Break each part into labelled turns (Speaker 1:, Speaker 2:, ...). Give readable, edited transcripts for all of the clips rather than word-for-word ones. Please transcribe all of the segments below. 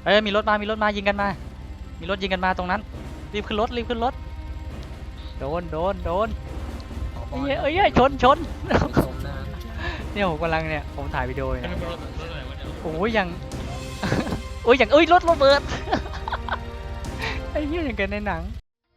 Speaker 1: เอ้ยมีรถมายิงกันมามีรถยิงกันมาตรงนั้นรีบขึ้นรถโดน
Speaker 2: ขอบอ
Speaker 1: เอ้
Speaker 2: ล
Speaker 1: ยเอ้ยชน
Speaker 2: ไม่สมนะครับ
Speaker 1: เนี่ยผมกำลังเนี่ยผมถ่ายวิดีโออยู่
Speaker 3: ไม่
Speaker 1: เนี่ย
Speaker 3: เป็นรถอะไรวะเนี่ย
Speaker 1: โอ้ยยัง โอ้ยอย่างเอ้ยรถระเบิด ไอ้เหี้ยอย่างกันในหนัง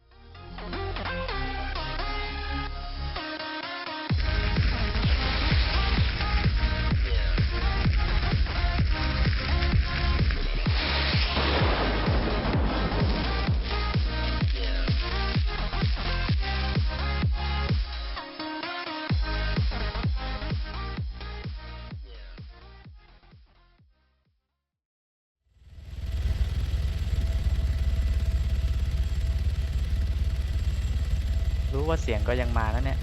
Speaker 1: รู้ว่าเสียงก็ยังมาแล้วเนี่ย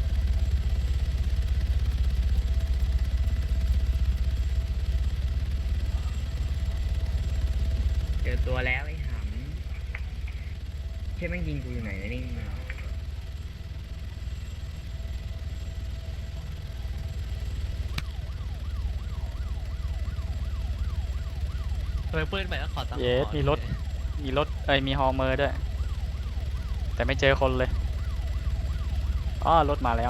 Speaker 4: เจอตัวแล้วไอ้หำใช่แม่งยิงกูอยู่ไหนนะนี่
Speaker 3: ทำไมปืนใหม่แล้วขอตังค์
Speaker 1: เยสมีรถเอ้ยมีฮอร์เมอร์ด้วยแต่ไม่เจอคนเลยอ้อรถมาแล้ว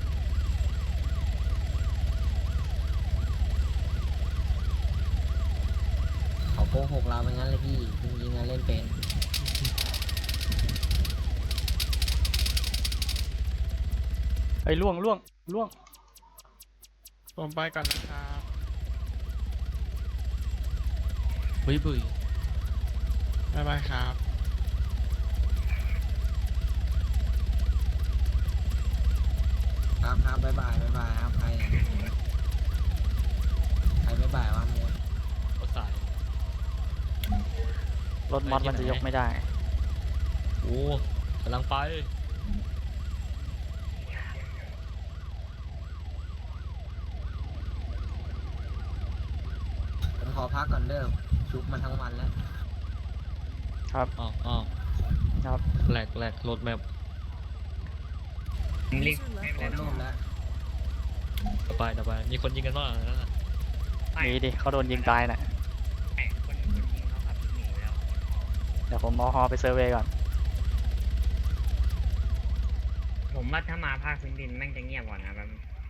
Speaker 2: เขาโกหกเราเป็นงั้นเลยพี่จริงๆอะเล่นเป็น
Speaker 1: เอ้ยล่วง
Speaker 3: ผมไปก่อนนะครับบุยบ๊ายบายครับ
Speaker 2: ครับบ๊ายบายครับใครบ๊ายบายวะโมด
Speaker 3: รถสาย
Speaker 1: รถมอสมันจะยกไม่ได้
Speaker 3: โอ้กำลังไป
Speaker 2: ผมขอพักก่อนเด้อชุบมาทั้งวันแล้ว
Speaker 1: ครับ
Speaker 3: อ้าว
Speaker 1: ครับ
Speaker 3: แหลกรถแมพ
Speaker 4: รีบ
Speaker 2: ขอร่วมแล้ว
Speaker 3: ต่อไปมีคนยิงกันบ้างนั่นน่ะ
Speaker 1: มีดิเขาโดนยิงตายน่ะ
Speaker 4: คนยิงเขาขับหนีแล้ว
Speaker 1: เดี๋ยวผมเอาฮอไปเซอร์เวย์ก่อน
Speaker 4: ผมว่าถ้ามาภาคพื้นดินแม่งจะเงียบกว่านะแบบ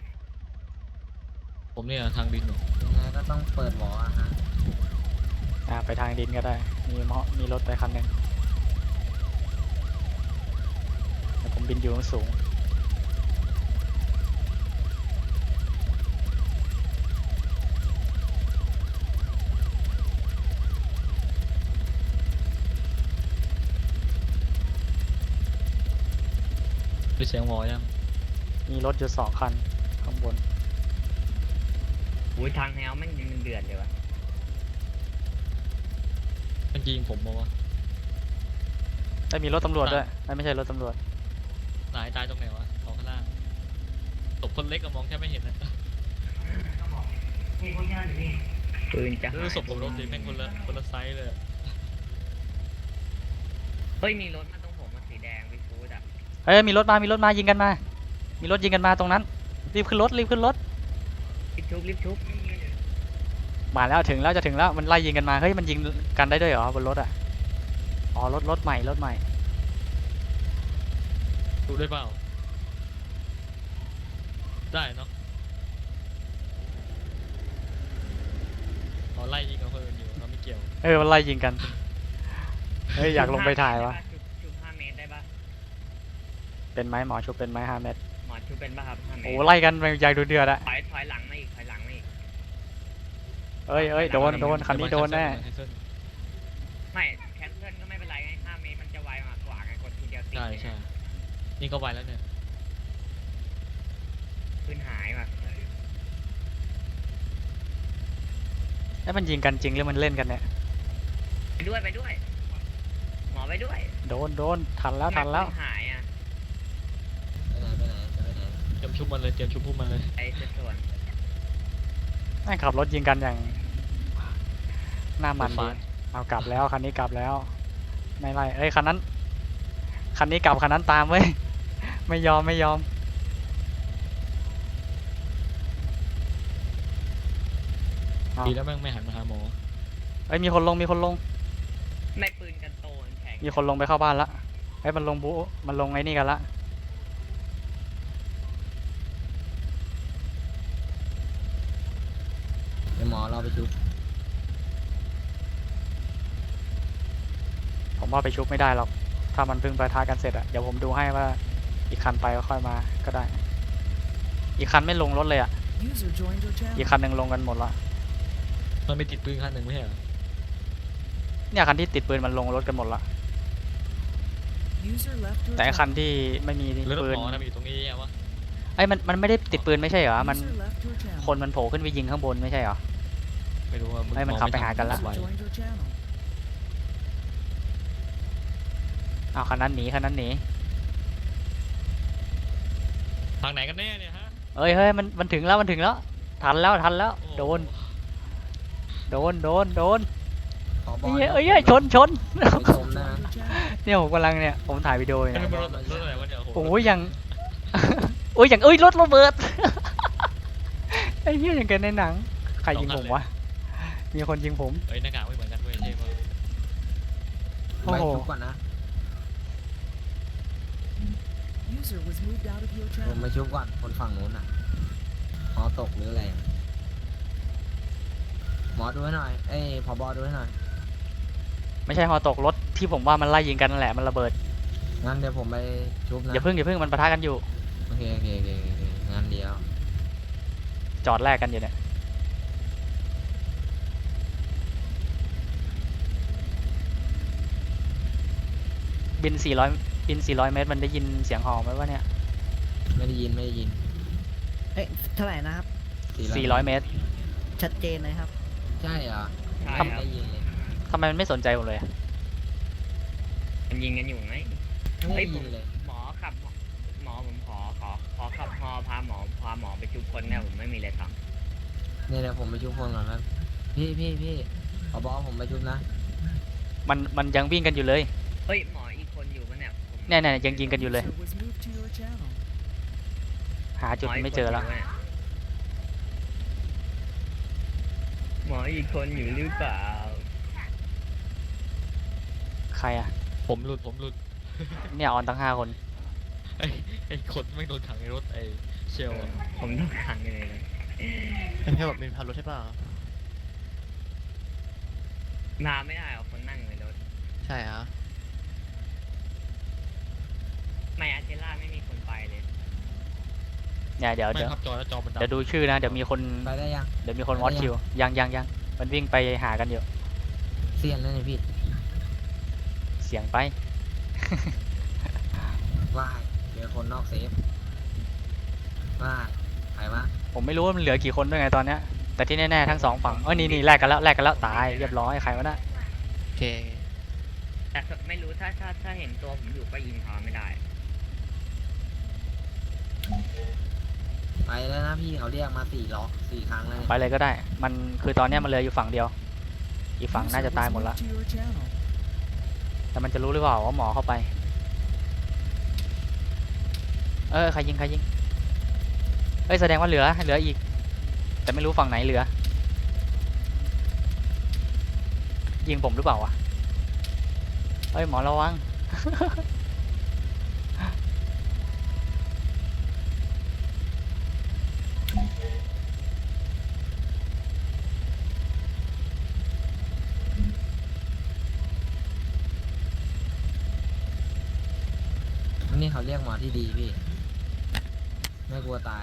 Speaker 3: ผมเนี่ยทางดินอยู่
Speaker 2: ยังไงก็ต้องเปิดหวออะฮะ
Speaker 1: ไปทางดินก็ได้ มีรถไปคันหนึ่งแต่ผมบินอยู่สูง
Speaker 3: คือเสียงหวอยัง
Speaker 1: มีรถอยู่2 คันข้างบน
Speaker 4: อุ้ยทางแนวแม่งยิงมันเดือดเลยวะ
Speaker 3: มันยิงผมมาวะ
Speaker 1: ได้มีรถตำรวจด้วยไม่ใช่รถตำรวจ
Speaker 3: ตายตรงไหนวะสองข้างล่างตกคนเล็กก็มองแค่ไม่เห็นนะ
Speaker 4: ปืนจะหาย
Speaker 3: ศพผมรถดิแม่งคนละไซส์เลย
Speaker 4: เฮ้ยมีรถมาตรงผมมันสีแดงวิฟูดอ่ะ
Speaker 1: เอ้ยมีรถมายิงกันมามีรถยิงกันมาตรงนั้นรีบขึ้นรถ
Speaker 4: รีบชุบ
Speaker 1: มาแล้วถึงแล้วจะถึงแล้วมันไล่ยิงกันมาเฮ้ยมันยิงกันได้ด้วยเหรอบนรถอ่ะอ๋อรถใหม่
Speaker 3: ดูได้เปล่าได้เนาะเราไล่ยิงกับคนอื่นอยู่เราไม่เกี่ยว
Speaker 1: มันไล่ยิงกันเฮ้ยอยากลงไปถ่ายวะ
Speaker 4: ชุบ5 เมตรได้ปะ
Speaker 1: เป็นไหมหมอชุบเป็นไหม5 เมตร
Speaker 4: หมอชุบเป็นปะครับ5 เมตร
Speaker 1: โอ้ไล่กันอยากดูเดือดอะ
Speaker 4: ถอยหลังมาอีก
Speaker 1: เอ้ยโดนคันนี้โดนแน่
Speaker 4: ไม่แคนเซิลก็ไม่เป็นไรไง5 เมตรมันจะไวกว่าไงกดทีเดียวติด
Speaker 3: ใช่นี่ก็ไวแล้วเนี่ย
Speaker 4: ปืนหายว่ะ
Speaker 1: แล้วมันยิงกันจริงหรือมันเล่นกันเนี่ย
Speaker 4: ไปด้วยหมอไปด้วย
Speaker 1: โดนทันแล้ว
Speaker 4: ปืนหายอ่ะ
Speaker 2: ไปไหนจะไปไหน
Speaker 3: เตรียมชุบมันเลยเตรียมชุบพวกมันเลย
Speaker 4: ไอ้ส่วน
Speaker 1: แม่งขับรถยิงกันอย่างหน้ามันดีเอากลับแล้วคันนี้กลับแล้วไม่ไล่เอ้ยคันนี้กลับคันนั้นตามเว้ย ไม่ยอม
Speaker 3: ดีแล้วแม่งไม่หันมาหาหมอ
Speaker 1: เอ้ยมีคนลง
Speaker 4: ไม่ปืนกันโตมันแข็ง
Speaker 1: มีคนลงไปเข้าบ้านละเฮ้ยมันลงบูมันลงไอ้นี่กันละ
Speaker 2: เดี๋ยวหมอเราไปชุบ
Speaker 1: ผมว่าไปชุบไม่ได้หรอกถ้ามันเพิ่งประทะกันเสร็จอะเดี๋ยวผมดูให้ว่าอีกคันไปก็ค่อยมาก็ได้ อีกคันไม่ลงรถเลยอะ
Speaker 5: User joined your
Speaker 1: อีก
Speaker 5: channel.
Speaker 1: คันหนึ่งลงกันหมดละ
Speaker 3: มันมีติดปืนคันหนึ่งไม่ใช่เหรอ
Speaker 1: เนี่ยคันที่ติดปืนมันลงรถกันหมดละ
Speaker 5: User left your
Speaker 1: แต่ไอ้คัน
Speaker 5: channel.
Speaker 1: ที่ไม่มี
Speaker 3: หรือรถ
Speaker 1: ปืน
Speaker 3: หมอนะมันอยู่ตรงนี้อะวะ
Speaker 1: ไอ้ยมันไม่ได้ติดปืนไม่ใช่เหรอมัน
Speaker 5: User left your channel.
Speaker 1: คนมันโผล่ขึ้นไปยิงข้างบนไม่ใช่เหรอ
Speaker 3: ไม่รู้ว่า
Speaker 1: ให้มันขับไปหากันละ
Speaker 5: User joined your channel.
Speaker 1: อ้าวคันนั้นหนีคันนั้นหนี
Speaker 3: ทางไหนกันแน่เนี่ยฮะ
Speaker 1: เอ้ยเฮ้ยมันถึงแล้วมันถึงแล้วทันแล้ว
Speaker 3: โอ้
Speaker 1: โดนโดน
Speaker 2: ขอบอ
Speaker 1: เอ้
Speaker 2: ล
Speaker 1: ยชน
Speaker 2: ไปชมนะ
Speaker 5: Your channel.
Speaker 1: เนี่ยผมกำลังเนี่ยผมถ่ายวิดีโออยู่
Speaker 3: เอ้ย
Speaker 1: เนี่ย
Speaker 3: มันรถอะไรวะเนี่ยโอ้โห
Speaker 1: โอ้ยยัง โอ้ยยังเอ้ยรถระเบิด ไอ้เหี้ยอย่างกันในหนังใครยิงผมวะมีคนยิงผม
Speaker 3: เอ้ยหน้ากากไม่เหมือนกันเว้ยเท่มาก
Speaker 1: โอ้
Speaker 2: ไป
Speaker 1: โห
Speaker 2: ชุบก่อนนะ
Speaker 5: User was moved out of your
Speaker 2: ผม
Speaker 5: channel.
Speaker 2: ไปชุบก่อนคนฝั่งนู้นอ่ะหมอตกหรืออะไรหมอดูให้หน่อยเอ้ยผบดูให้หน่อย
Speaker 1: ไม่ใช่ฮอตกรถที่ผมว่ามันไล่ยิงกันนั่นแหละมันระเบิด
Speaker 2: งั้นเดี๋ยวผมไปชุบนะ
Speaker 1: อย่าเพิ่งมันปะทะกันอยู่
Speaker 2: โอเคงั้นเดี๋ยว
Speaker 1: จอดแลกกันอยู่เนี่ยบิน 400 เมตรมันได้ยินเสียงฮอไหมวะเนี่ย
Speaker 2: ไม่ได้ยิน
Speaker 6: เอ๊ะเท่าไหร่นะครับ
Speaker 1: 400 เมตร
Speaker 6: ชัดเจนเลยครับ
Speaker 2: ใช่เหรอ
Speaker 4: ใช่
Speaker 2: ไม่
Speaker 4: ครับ
Speaker 2: ได้ยินเลย
Speaker 1: ทำไมมันไม่สนใจผมเลยอะ
Speaker 4: มันยิงกันอยู่ไง
Speaker 2: ไม่ได้ยินเลย
Speaker 4: หมอขับหมอผมขอขับฮอพาหมอไปจุบคนเนี่ยผมไม่มีเลยท
Speaker 2: เนี่ยเดี๋ยวผมไปชุบคนก่อนนะพี่ผบผมไปชุบนะ
Speaker 1: มันยังวิ่งกันอยู่เลย
Speaker 4: ำเฮ้ยหมออีกคนอยู่ปะเนี่ยผม
Speaker 1: เนี่ยยังยิงกันอยู่เลย
Speaker 5: User was moved to your channel.
Speaker 1: หาจุดไม่เจอแล้ว
Speaker 4: หมออีกคนอยู่หรือเปล่า
Speaker 1: ใครอะ
Speaker 3: ผมหลุด
Speaker 1: เนี่ยออนตั้ง5 คน
Speaker 3: ไอ้คนไม่งโดนขังในรถไอ้เชลอะ
Speaker 4: ผมต้องขังเลยนะ
Speaker 7: เป็นแค่แบบเป็นพารถใช่ป่ะ
Speaker 4: มาไม่ได้หรอกคนนั่งในรถ
Speaker 7: ใช่ฮะ
Speaker 4: ไม่อาเทล่าไม่มีคนไปเลย
Speaker 1: เนี่ยเดี๋ยว
Speaker 3: ไม่ครับจอแล้วจอมันดำ
Speaker 1: เดี๋ยวดูชื่อนะเดี๋ยวมีคน
Speaker 2: ไปได้ยัง
Speaker 1: วอตคิวยังมันวิ่งไปหากันอยู่
Speaker 2: เสียนแล้วเนี่ยพี่
Speaker 1: เสียงไป
Speaker 2: ว่ายเจอคนนอกเซฟว่ายใครวะ
Speaker 1: ผมไม่รู้ว่ามันเหลือกี่คนด้วยไงตอนเนี้ยแต่ที่แน่ๆทั้ง2 ฝั่งนี่แลกกันแล้วตายเรียบร้อยใครวะน่ะ
Speaker 7: โอเค
Speaker 4: แต่ไม่รู้ถ้าเห็นตัวผมอยู่ก็ยิงเขาไม่ได้
Speaker 2: ไปแล้วนะพี่เขาเรียกมา4 ครั้งแล้วเนี่ย
Speaker 1: ไปเลยก็ได้ มันคือตอนเนี้ยมันเหลืออยู่ฝั่งเดียว อีกฝั่ง
Speaker 5: User
Speaker 1: น่าจะ
Speaker 5: was
Speaker 1: ตายหมดละ
Speaker 5: moved to your channel.
Speaker 1: แต่มันจะรู้หรือเปล่าว่าหมอเข้าไปใครยิงแสดงว่าเหลืออีก แต่ไม่รู้ฝั่งไหนเหลือ ยิงผมหรือเปล่าวะหมอระวัง
Speaker 2: นี่เขาเรียกหมอที่ดีพี่ ไม่กลัวตาย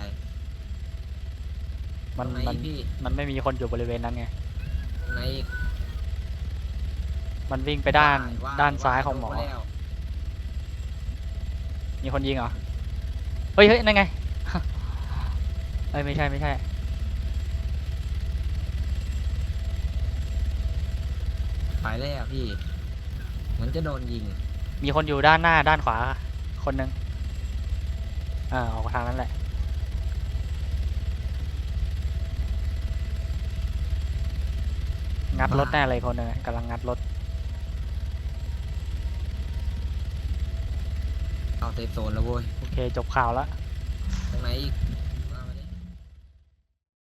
Speaker 1: มัน
Speaker 2: ตรงไห
Speaker 1: มัน
Speaker 2: อีกพี่
Speaker 1: มันไม่มีคนอยู่บริเวณนั้นไง
Speaker 2: ตรงไหนอีก
Speaker 1: มันวิ่งไปด้าน
Speaker 2: ว่
Speaker 1: ด้านซ้ายของหมอ
Speaker 2: โดนแล้ว
Speaker 1: มีคนยิงเหรอ เฮ้ยนั่นไง ไม่ใช่
Speaker 2: ไปแล้วพี่ เหมือนจะโดนยิง
Speaker 1: มีคนอยู่ด้านหน้าด้านขวา คนหนึ่งออกทางนั้นแหละ งัดรถแน่เลยคนหนึงกำลังงัดรถ
Speaker 2: เอาเซฟโซนแล้วเว้ย
Speaker 1: โอเคจบข่าวแล้ว
Speaker 2: ตรงไหนอีก